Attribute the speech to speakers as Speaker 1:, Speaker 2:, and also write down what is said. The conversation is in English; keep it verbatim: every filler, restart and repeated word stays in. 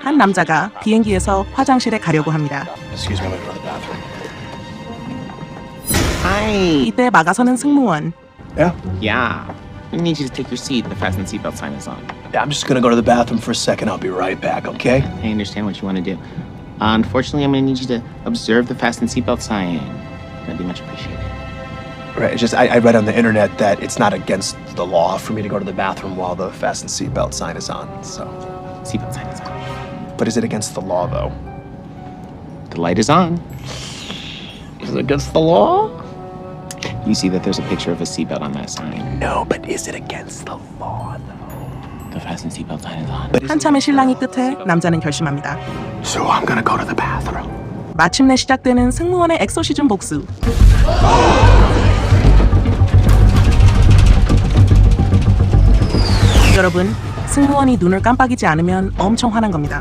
Speaker 1: 한 남자가 비행기에서 화장실에 가려고 합니다.
Speaker 2: Excuse me, I'm gonna go to the bathroom.
Speaker 3: Hi.
Speaker 1: 이때 막아서는 승무원.
Speaker 2: Yeah?
Speaker 3: Yeah. We need you to take your seat. The fasten seatbelt sign is on.
Speaker 2: Yeah, I'm just gonna go to the bathroom for a second. I'll be right back, okay?
Speaker 3: I understand what you want to do. Uh, unfortunately, I'm going to need you to observe the fasten seatbelt sign. That'd be much appreciated.
Speaker 2: Right, it's just I, I read on the internet that it's not against the law for me to go to the bathroom while the fasten seatbelt sign is on, so.
Speaker 3: Seatbelt sign is on.
Speaker 2: But is it against the law, though?
Speaker 3: The light is on.
Speaker 2: Is it against the law?
Speaker 3: You see that there's a picture of a seatbelt on that sign.
Speaker 2: No, but is it against the law, though?
Speaker 3: The fasten seatbelt sign is on.
Speaker 2: But is it
Speaker 1: 한참의
Speaker 2: against the
Speaker 1: 실랑이
Speaker 2: law?
Speaker 1: 끝에 남자는 결심합니다.
Speaker 2: So I'm gonna go to the bathroom.
Speaker 1: 마침내 시작되는 승무원의 엑소시즌 복수. 여러분, 승무원이 눈을 깜빡이지 않으면 엄청 화난 겁니다.